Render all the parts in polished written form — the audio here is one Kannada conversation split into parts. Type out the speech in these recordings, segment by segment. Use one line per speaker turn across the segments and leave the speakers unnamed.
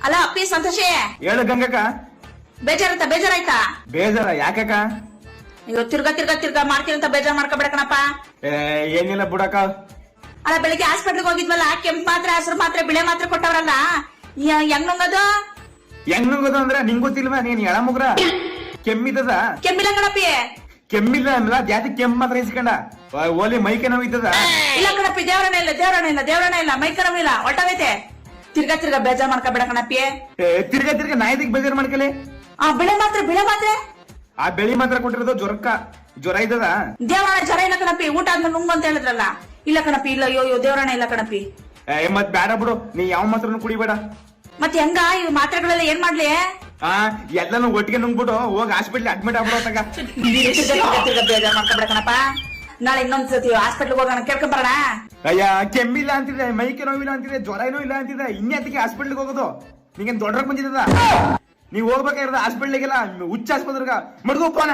ಅಲ್ಲ ಅಪ್ಪಿ ಸಂತೋಷಿ
ಹೇಳು ಗಂಗಕ್ಕ.
ಬೇಜಾರಾಯ್ತಾ?
ಬೇಜಾರ ಯಾಕಕ್ಕ?
ಅಯ್ಯೋ ತಿರ್ಗಾ ಮಾಡ್ತೀನಿ ಅಂತ ಬೇಜಾರ್ ಮಾಡ್ಕೊಬೇಡ ಕಣಪ್ಪ.
ಏನಿಲ್ಲ ಬಿಡಕ್ಕ.
ಅಲ್ಲ ಬೆಳಿಗ್ಗೆ ಹಾಸ್ಪಿಟ್ಲ್ಗೆ ಹೋಗಿದ್ವಲ್ಲ, ಕೆಂಪ್ ಮಾತ್ರೆ, ಹಸಿರು ಮಾತ್ರೆ, ಬಿಳೆ ಮಾತ್ರೆ ಕೊಟ್ಟವ್ರಲ್ಲ, ಹೆಂಗ್ ನುಂಗದು?
ಹೆಂಗ್ ನುಂಗದು ಅಂದ್ರೆ ನಿಂಗ್ ಗೊತ್ತಿಲ್ವಾ? ನೀನ್ ಎಳ ಮುಗ್ರ ಕೆಮ್ಮಿದ್ದದ?
ಕೆಮ್ಮಿಲ್ಲ ಕಣಪ್ಪಿ.
ಕೆಮ್ಮಿಲ್ಲ ಅಲ್ಲ, ಜಾತಿ ಕೆಮ್ಮ ಮಾತ್ರ ಇಸ್ಕೊಂಡ ಓಲಿ ಮೈಕೆ ನೋವಿದ್ದದ?
ಇಲ್ಲ ಕಣಪ್ಪಿ, ದೇವರಣ ಇಲ್ಲ ಮೈಕ ನೋವಿಲ್ಲ, ಹೊಟ್ಟವೈತೆ. ತಿರ್ಗಾ ಬೇಜಾರ್ ಮಾಡ್ಕೊಬೇಡ ಕಣಪ್ಪಿ.
ತಿರ್ಗಾ ನಾಯಿದಿಗ್ ಬೇಜಾರ್ ಮಾಡ್ಕಲಿ.
ಆ ಬಿಳೆ ಮಾತ್ರೆ
ಆ ಬೆಳಿ ಮಾತ್ರ ಕೊಟ್ಟಿರೋದು ಜ್ವರ ಇದ್ದದ?
ದೇವರಣ ಜ್ವರ ಇಲ್ಲ ಕಣಪ್ಪಿ, ಊಟ ಆದ್ಮೇಲೆ ನುಂಗು ಅಂತ ಹೇಳಿದ್ರಲ್ಲ. ಇಲ್ಲ ಕಣಪ್ಪಿ, ಇಲ್ಲ. ಅಯ್ಯೋ ದೇವರಣ ಇಲ್ಲ ಕಣಪ್ಪಿ.
ಮತ್ ಬೇಡ ಬಿಡು, ನೀ ಯಾವ ಮಾತ್ರನು ಕುಡಿಬೇಡ.
ಮತ್ ಹೆಂಗ ಈ ಮಾತ್ರೆಗಳೆಲ್ಲ ಏನ್ ಮಾಡ್ಲಿ?
ಎಲ್ಲಾನು ಒಟ್ಟಿಗೆ ನುಂಗ್ಬಿಟ್ಟು ಹೋಗಿ ಹಾಸ್ಪಿಟ್ಲ್ ಅಡ್ಮಿಟ್ ಆಗ್ಬಿಡೋ ತಗ.
ತಿರ್ಗಾ ಬೇಜಾರ್ ಮಾಡ್ಕೊಬೇಡ ಕಣಪ್ಪ. ನಾಳೆ ಇನ್ನೊಂದ್ಸತಿ ಹಾಸ್ಪಿಟ್ಲ್ ಹೋಗೋಣ, ಕೇಳ್ಕೊಂಡ್ ಬರೋಣ.
ಅಯ್ಯ ಕೆಮ್ಮಿಲ್ಲ ಅಂತಿದೆ, ಮೈಕೆ ನೋವಿಲ್ಲ ಅಂತಿದೆ, ಜ್ವರ ಏನೂ ಇಲ್ಲ ಅಂತಿದೆ, ಇನ್ನೇತಿಗೆ ಹಾಸ್ಪಿಟ್ಲ್ಗೆ ಹೋಗೋದು? ನಿಂಗೇನ್ ದೊಡ್ಡ ಬಂದಿದ್ದದ? ನೀವ್ ಹೋಗ್ಬೇಕಾಗಿರೋದು ಹಾಸ್ಪಿಟ್ಲಿಗೆಲ್ಲ, ಹುಚ್ಚ ಆಸ್ಪತ್ರೆಗ ಮಡ್ಗೋ ಫೋನ.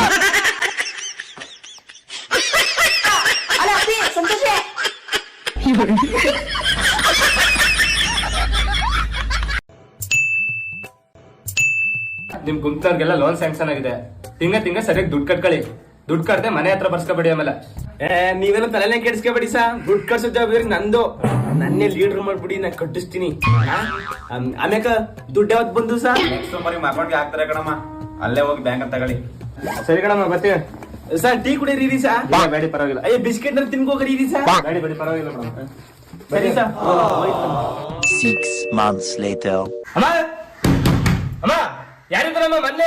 ಅಲ್ಲ ಅಪ್ಪಿ ಸಂತೋಷಿ,
ನಿಮ್ ಗುಂಪ್ತವ್ರಿಗೆಲ್ಲ ಲೋನ್ ಸ್ಯಾಂಕ್ಷನ್ ಆಗಿದೆ. ತಿಂಗ ಸರಿಯಾಗಿ ದುಡ್ಡು ಕಟ್ಕೊಳ್ಳಿ. ದುಡ್ಡು ಕಟ್ದೆ ಮನೆ ಹತ್ರ ಬರ್ಸ್ಕೊಬೇಡಿ. ಆಮೇಲೆ ನೀವೆಲ್ಲ ತಲೆನೇ ಕೆಡಿಸ್ಕೊಬೇಡಿ ಸಾ. ದುಡ್ಡು ಕಟ್ಸೋ ಜವಾಬ್ದಾರಿ ನಂದು. ನನ್ನೇ ಲೀಡರ್ ಮಾಡ್ಬಿಡಿ, ನಾ ಕಟ್ಟಿಸ್ತೀನಿ. ಆಮ್ಯಾಕ ದುಡ್ಡು ಯಾವತ್ ಬಂದು ಸಾ?
ನೆಕ್ಸ್ಟ್ ನಿಮ್ಮ ಅಕೌಂಟ್ಗೆ ಹಾಕ್ತಾರೆ ಕಣಮ್ಮ, ಅಲ್ಲೇ ಹೋಗಿ ಬ್ಯಾಂಕ್ ಅಂತ ತಗೊಳ್ಳಿ.
ಸರಿ ಕಣಮ್ಮ, ಬರ್ತೀವಿ. ಸರ್ ಟೀ ಕುಡಿಯರಿ ಸಾ? ಬೇಡಿ ಪರವಾಗಿಲ್ಲ. ಅಯ್ಯ ಬಿಸ್ಕೆಟ್ ನಲ್ಲಿ ತಿನ್ಕೋಗ್ರಿ ಸಾ? ಬೇಡಿ ಪರವಾಗಿಲ್ಲ ಮೇಡಮ್. ಸರಿ ಸಾ.
6 months later.
ಅಮ್ಮ ಯಾರಿದ್ದಾರಮ್ಮ ಮೊನ್ನೆ?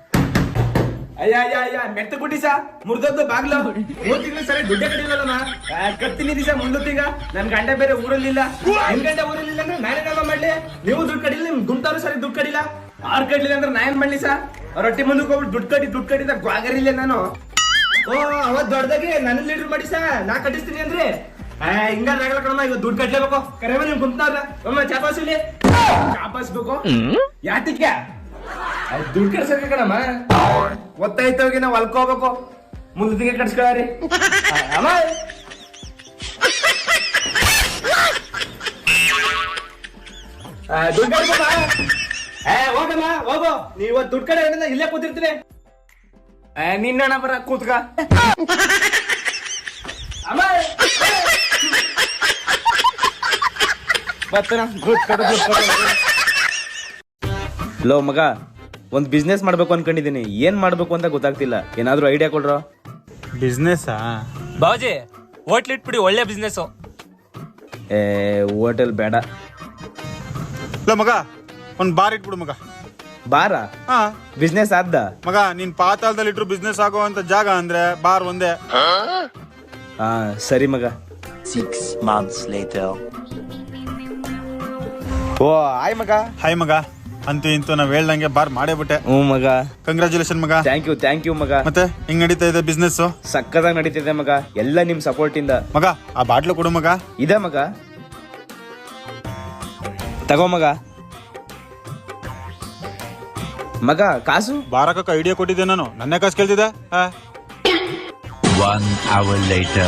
ಅಯ್ಯ ಮೆಟ್ಟ ಗುಡ್ಡಿ ಸಾ, ಮುರ್ದದ್ದು ಬಾಗ್ಲು. 3 ತಿಂಗಳು ಸರಿ ದುಡ್ಡೇ ಕಡಿಲಲ್ಲಮ್ಮ. ಕತ್ತೀನಿ ದಿವಸ ಮುಂದೊತ್ತಿಗ ನನ್ ಗಂಡ ಬೇರೆ ಊರಲ್ಲಿಲ್ಲ. ನಿಮ್ ಗಂಡ ಊರಲ್ಲಿಲ್ಲ ಅಂದ್ರೆ ನಾನೇನಮ್ಮ ಮಾಡ್ಲಿ? ನೀವು ದುಡ್ಡು ಕಡಿಲ್ಲ, ನಿಮ್ ಗುಂಟವ್ರು ಸರಿ ದುಡ್ಡು ಕಡಿಲ್ಲ. ಆರ್ ಕಡ್ಲಿಲ್ಲ ಅಂದ್ರೆ ನಾ ಏನ್ ಮಾಡ್ಲಿ ಸಾ? ಅವ್ರ ಹೊಟ್ಟಿ ಮುಂದಕ್ಕೆ ಹೋಗ್ಬಿಟ್ಟು ದುಡ್ಡು ಕಡಿದ ಗ್ವಾಗರಿಲ್ಲ ನಾನು. ಓ ಅವತ್ ದೊಡ್ಡದಾಗಿ ನನ್ನ ಲೀಡರ್ ಮಾಡಿ ಸಾ, ನಾ ಕಟ್ಟಿಸ್ತೀನಿ ಅಂದ್ರೆ ಹಿಂಗಾಗಲ್ಲ ಕಣಮ್ಮ. ಈಗ ದುಡ್ಡು ಕಟ್ಲೇಬೇಕು. ಕರೆಮ ನಿಮ್ ಗುಂಟವ್ರ ಅಮ್ಮ ಚಾಪಾಸಿಲಿ ಚಾಪಾಸ್ಬೇಕು. ಯಾತಿಕ್ಕೆ
ದುಡ್ಡು ಕಟ್ಸಕ್ಕೆ ಕಣಮ್ಮ.
ಗೊತ್ತಾಯ್ತೋಗಿ ನಾವ್ ಹೊಲ್ಕೋಬೇಕು, ಮುಂದಕ್ಕೆ ಕಟ್ಸ್ಕೊಳ್ರಿ.
ಅಮ್ಮ
ದುಡ್ಡು ಹೋಗಮ್ಮ, ಹೋಗೋ. ನೀವ್ ಇವತ್ತು ದುಡ್ಡು ಕಡೆ ಇಲ್ಲೇ ಕೂತಿರ್ತೀನಿ.
ನಿನ್ನಣ್ಣ ಬರ ಕೂತ್ಕ.
ಅಮ್ಮ
ಲೋ ಮಗ, ಒಂದ್ ಬಿಸ್ನೆಸ್ ಮಾಡ್ಬೇಕು ಅನ್ಕೊಂಡಿದೀನಿ, ಏನ್ ಮಾಡ್ಬೇಕು ಅಂತ ಗೊತ್ತಾಗ್ತಿಲ್ಲ. ಏನಾದ್ರೂ ಐಡಿಯಾ ಕೊಡ್ರೋ?
ಬಿಸ್ನೆಸ್
ಬಾವಜಿ ಹೋಟ್ಲ್ ಇಟ್ಬಿಡಿ, ಒಳ್ಳೆ ಬಿಸ್ನೆಸ್.
ಹೋಟೆಲ್ ಬೇಡ.
ಇಲ್ಲ ಮಗ, ಒಂದ್ ಬಾರ್ ಇಟ್ಬಿಡು ಮಗ.
ಬಾರ
ಹಾ
ಬಿಸ್ನೆಸ್ ಆದ್ದ
ಮಗ, ನೀನ್ ಪಾತಾಳದಲ್ಲಿ ಇಟ್ರು ಬಿಸ್ನೆಸ್ ಆಗುವಂತ ಜಾಗ ಅಂದ್ರೆ ಬಾರ್ ಒಂದೇ.
ಹಾ ಸರಿ ಮಗ.
6 months later.
ಓ ಆಯ್ ಮಗ.
ಹಾಯ್ ಮಗ, ಅಂತೂ ಇಂತೂ ನಾವ್ ಹೇಳ್ದಂಗೆ ಬಾರ್ ಮಾಡೇ ಬಿಟ್ಟೆ.
ಮಗ
ಕಂಗ್ರಾಚುಲೇಷನ್ ಮಗ.
ಥ್ಯಾಂಕ್ ಯು ಮಗ.
ಮತ್ತೆ ಹಿಂಗ್ ನಡೀತಾ ಇದೆ ಬಿಸ್ನೆಸ್?
ಸಕ್ಕದಾಗಿ ನಡೀತಿದೆ ಮಗ, ಎಲ್ಲ ನಿಮ್ ಸಪೋರ್ಟ್ ಇಂದ.
ಮಗ ಆ ಬಾಟ್ಲು ಕೊಡು ಮಗ.
ಇದೆ ಮಗ, ತಗೋ ಮಗ. ಮಗ ಕಾಸು?
ಬಾರಕ ಐಡಿಯಾ ಕೊಟ್ಟಿದ್ದೆ ನಾನು, ನನ್ನೇ ಕಾಸು ಕೇಳ್ತಿದ್ದೆ.
1 hour later.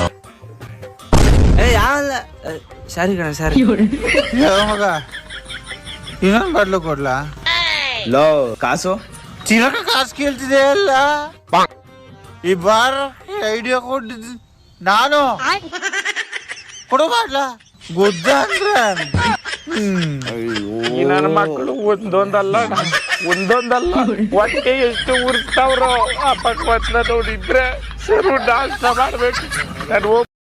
ಸಾರಿ ಕಣ ಸಾರಿ.
ಮಗ ಇನ್ನೊಂದು ಬಾಟ್ಲು ಕೊಡ್ಲಾ?
ಲೋ ಕಾಸು?
ಚಿರಕ ಕಾಸು ಕೇಳ್ತಿದೆ ಅಲ್ಲ. ಈ ಬಾರ್ ಐಡಿಯಾ ಕೊಟ್ಟಿದ್ದು ನಾನು. ಕೊಡು ಬಾಟ್ಲ ಗುದ್ದ ಅಂದ್ರೆ.
ನನ್ನ ಮಕ್ಕಳು ಒಂದೊಂದಲ್ಲ ಹೊಟ್ಟೆ ಎಷ್ಟು ಉರ್ತಾವ್ರೋ ಆ ಪಕ್ವತ್ನ ನೋಡಿದ್ರೆ ಸರು ನಾಷ್ಟ ಮಾಡ್ಬೇಕು. ನಾನು